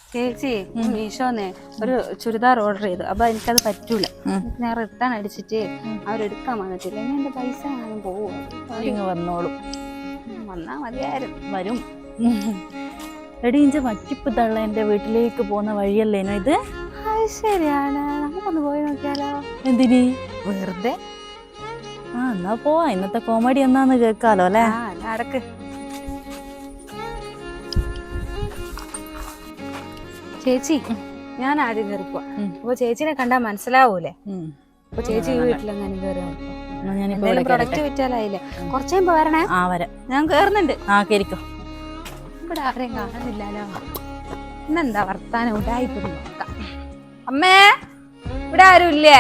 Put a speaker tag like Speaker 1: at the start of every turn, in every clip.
Speaker 1: ചേച്ചി മീഷോന്ന് ഒരു ചുരിദാർ ഓർഡർ ചെയ്തു. അപ്പൊ എനിക്കത് പറ്റൂല. ഞാൻ റിട്ടേൺ അടിച്ചിട്ട് അവരെടുക്കാൻ വന്നിട്ടില്ല. ഇനി എന്റെ പൈസ ഞാനും പോവും.
Speaker 2: വന്നോളും.
Speaker 1: വന്നാ മതിയായിരുന്നു.
Speaker 2: വരും. എടീഞ്ച മറ്റിപ്പ് തള്ള എന്റെ വീട്ടിലേക്ക് പോകുന്ന വഴിയല്ലേനോ ഇത്?
Speaker 1: ശരിയാണ്, നമുക്കൊന്ന് പോയി നോക്കിയാലോ?
Speaker 2: എന്തിന്?
Speaker 1: വെറുതെ.
Speaker 2: എന്നാ പോവാ. ഇന്നത്തെ കോമഡി എന്നാന്ന് കേൾക്കാലോ അല്ലെ?
Speaker 1: നടക്ക്. ചേച്ചി, ഞാൻ ആദ്യം കയറിപ്പോ. അപ്പൊ ചേച്ചിനെ കണ്ടാ മനസ്സിലാവൂലേ? അപ്പൊ ചേച്ചി വീട്ടിലെങ്ങനെ കയറി പ്രൊഡക്റ്റ് വിറ്റാലായില്ലേ? കുറച്ചുമ്പോ വരണേ.
Speaker 2: വരാം.
Speaker 1: ഞാൻ കേറുന്നുണ്ട്.
Speaker 2: കേറിക്കോ.
Speaker 1: ഇവിടെ ആരെയും കാണുന്നില്ലല്ലോ. ഇന്നെന്താ വർത്താനം ഉണ്ടായിപ്പോ നോക്കാം. അമ്മേ, ഇവിടെ ആരും ഇല്ലേ?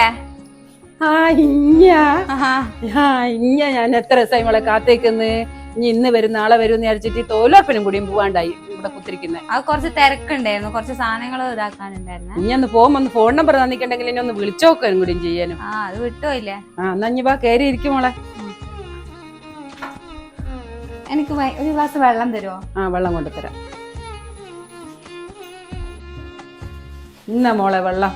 Speaker 3: ഞാൻ എത്ര ദിവസമായി മോളെ കാത്തേക്കുന്ന്. ഇനി ഇന്ന് വരും നാളെ വരും എന്ന് വിചാരിച്ചിട്ട് തോലോപ്പനും കൂടിയും പോവാണ്ടായി ഇവിടെ കുത്തിരിക്കുന്നത്.
Speaker 1: അത് കുറച്ച് തിരക്കുണ്ടായിരുന്നു, കുറച്ച് സാധനങ്ങൾ ഇതാക്കാനുണ്ടായിരുന്നു.
Speaker 3: ഇനി ഒന്ന് പോകുമ്പോ ഒന്ന് ഫോൺ നമ്പർ തന്നിട്ടുണ്ടെങ്കിൽ ഇനി ഒന്ന് വിളിച്ചോക്കാനും കൂടിയും ചെയ്യാനും.
Speaker 1: അത് വിട്ടുപോയില്ലേ?
Speaker 3: എന്നാ ഇനി വാ, കയറി ഇരിക്കും മോളെ.
Speaker 1: എനിക്ക് ഒരു ഗ്ലാസ് വെള്ളം തരുമോ?
Speaker 3: വെള്ളം കൊണ്ടുതരാം. ഇന്ന മോളെ വെള്ളം.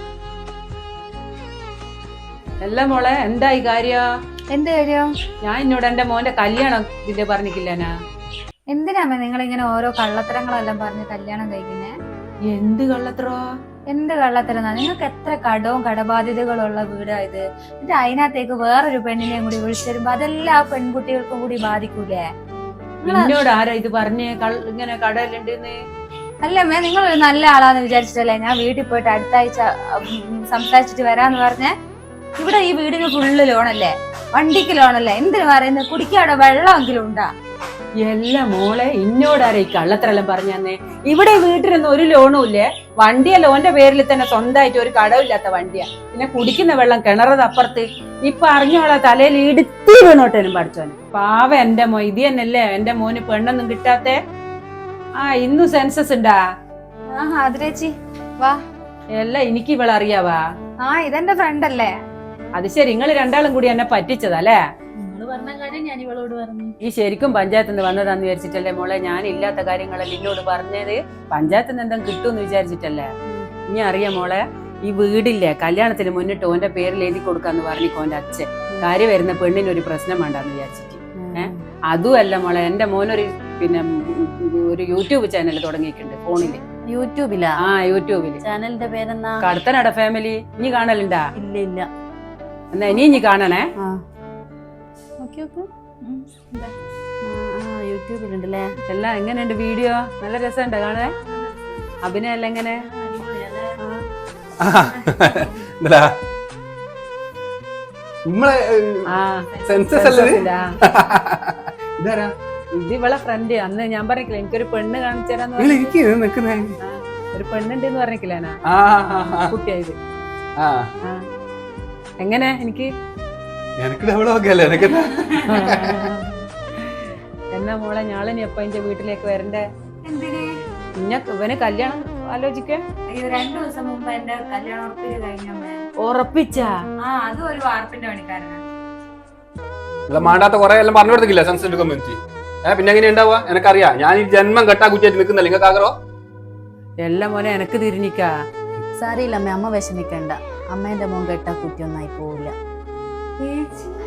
Speaker 3: അല്ല മോളെ, എന്തായി കാര്യം?
Speaker 1: എന്ത് കാര്യം?
Speaker 3: ഞാൻ എന്നോട് എന്റെ മോന്റെ കല്യാണം ഇതിന്റെ പറഞ്ഞിട്ടില്ലനാ.
Speaker 1: എന്തിനാ നിങ്ങൾ ഇങ്ങനെ ഓരോ കള്ളത്തരങ്ങളെല്ലാം പറഞ്ഞ് കല്യാണം കഴിക്കുന്നേ?
Speaker 3: എന്ത് കള്ളത്തരോ?
Speaker 1: എന്ത് കള്ളത്തരം? നിങ്ങൾക്ക് എത്ര കടവും കടബാധ്യതകളുള്ള വീടായത്. എന്നിട്ട് അതിനകത്തേക്ക് വേറൊരു പെണ്ണിനെയും കൂടി വിളിച്ചിരുമ്പോ അതെല്ലാം ആ പെൺകുട്ടികൾക്കും കൂടി ബാധിക്കൂലേ?
Speaker 3: എന്നോട് ആരാ ഇത് പറഞ്ഞേ ഇങ്ങനെ കടയിലുണ്ടെന്ന്?
Speaker 1: അല്ലമ്മേ, നിങ്ങൾ ഒരു നല്ല ആളാന്ന് വിചാരിച്ചിട്ടല്ലേ ഞാൻ വീട്ടിൽ പോയിട്ട് അടുത്ത ആഴ്ച സംസാരിച്ചിട്ട് വരാന്ന് പറഞ്ഞേ. ഇവിടെ ഈ വീടിന് ഫുള്ള് ലോണല്ലേ, വണ്ടിക്ക് ലോണല്ലേ, എന്തിനു പറയുന്നത്? കുടിക്കാടെ വെള്ളമെങ്കിലും ഉണ്ടാ?
Speaker 3: എല്ലാ മോളെ, ഇന്നോടാരാ ഈ കള്ളത്തരെല്ലാം പറഞ്ഞു തന്നെ? ഇവിടെ വീട്ടിലൊന്നും ഒരു ലോണും ഇല്ലേ. വണ്ടിയെ ലോന്റെ പേരിൽ തന്നെ സ്വന്തമായിട്ട് ഒരു കടവില്ലാത്ത വണ്ടിയാ. പിന്നെ കുടിക്കുന്ന വെള്ളം കിണറത് അപ്പുറത്ത്. ഇപ്പൊ അറിഞ്ഞോളെ തലയിൽ ഇടുത്തി വീണോട്ടേനും പഠിച്ചോന്. പാവ എന്റെ മോ. ഇത് തന്നെയല്ലേ എന്റെ മോന് പെണ്ണൊന്നും കിട്ടാത്തെ? ഇന്നു സെൻസസ് ഉണ്ടാ?
Speaker 1: അതിരേച്ചി വാ.
Speaker 3: എല്ലാം എനിക്ക് ഇവളെ അറിയാവാ?
Speaker 1: ഇതെന്റെ ഫ്രണ്ട് അല്ലേ?
Speaker 3: അത് ശരി, നിങ്ങൾ രണ്ടാളും കൂടി എന്നെ പറ്റിച്ചതല്ലേ? ഈ ശരിക്കും പഞ്ചായത്തിൽ നിന്ന് വന്നതാന്ന് വിചാരിച്ചിട്ടല്ലേ മോളെ? ഞാൻ ഇല്ലാത്ത കാര്യങ്ങളല്ലേ എന്നോട് പറഞ്ഞത്? പഞ്ചായത്തിൽ നിന്ന് എന്തെങ്കിലും കിട്ടുമെന്ന് വിചാരിച്ചിട്ടല്ലേ? ഇനി അറിയാം മോളെ, ഈ വീടില്ലേ കല്യാണത്തിന് മുന്നിട്ട് ഓന്റെ പേരിൽ എഴുതി കൊടുക്കാന്ന് പറഞ്ഞിക്കോന്റെ അച്ഛൻ. കാര്യം വരുന്ന പെണ്ണിനൊരു പ്രശ്നം വേണ്ടാന്ന് വിചാരിച്ചിട്ട്. അതുമല്ല മോളെ, എന്റെ മോനൊരു ഒരു യൂട്യൂബ് ചാനൽ തുടങ്ങിയിട്ടുണ്ട് ഫോണില്.
Speaker 2: യൂട്യൂബിലാ?
Speaker 3: യൂട്യൂബില്.
Speaker 2: ചാനലിന്റെ പേരെന്നാ?
Speaker 3: കടത്തനാട ഫാമിലി. ഇനി കാണലുണ്ടാ?
Speaker 2: ഇല്ല ഇല്ല.
Speaker 3: എന്നാ ഇനി കാണണേ.
Speaker 2: യൂട്യൂബിലുണ്ടല്ലേ?
Speaker 3: എല്ലാം എങ്ങനെയുണ്ട് വീഡിയോ? നല്ല രസമുണ്ട് കാണേ? അഭിനയം എല്ലാം എങ്ങനെ? ഇത് ഇവളെ ഫ്രണ്ട്. അന്ന് ഞാൻ പറഞ്ഞില്ല എനിക്കൊരു പെണ്ണ് കാണിച്ചു തരാന്ന്. ഒരു പെണ്ണുണ്ടെന്ന് പറഞ്ഞില്ലാനാ കുട്ടിയായത്. എങ്ങനെ എനിക്ക് എന്നാ മോളെ, ഞാളിനി എപ്പ എന്റെ വീട്ടിലേക്ക് വരണ്ടേ? ഇവന് കല്യാണം ആലോചിക്ക.
Speaker 1: 2 ദിവസം മുമ്പ് എന്റെ കല്യാണം ഉറപ്പിച്ച് കഴിഞ്ഞ.
Speaker 3: ഉറപ്പിച്ചാ?
Speaker 1: അതും ഒരു വാർപ്പിന്റെ പണിക്കാരനാ.
Speaker 4: മാണ്ടാത്ത കുറെ എല്ലാം പറഞ്ഞു കൊടുത്തില്ല സെൻസിറ്റീവ് കമ്മ്യൂണിറ്റി. പിന്നെ എങ്ങനെ ഉണ്ടാവുക? എനിക്കറിയാം. ഞാൻ ഈ ജന്മം കെട്ടാ കുറ്റിയായിട്ട് നിൽക്കുന്നില്ല. നിങ്ങൾക്ക് ആഗ്രഹോ?
Speaker 3: എല്ലാം മോനെ എനക്ക് തിരിഞ്ഞിക്കാ.
Speaker 2: സാരിയില്ല അമ്മ, അമ്മ വിഷമിക്കണ്ട. അമ്മേന്റെ മോൻ കെട്ടാ കുറ്റിയൊന്നായി പോവില്ല.
Speaker 1: ചേച്ചി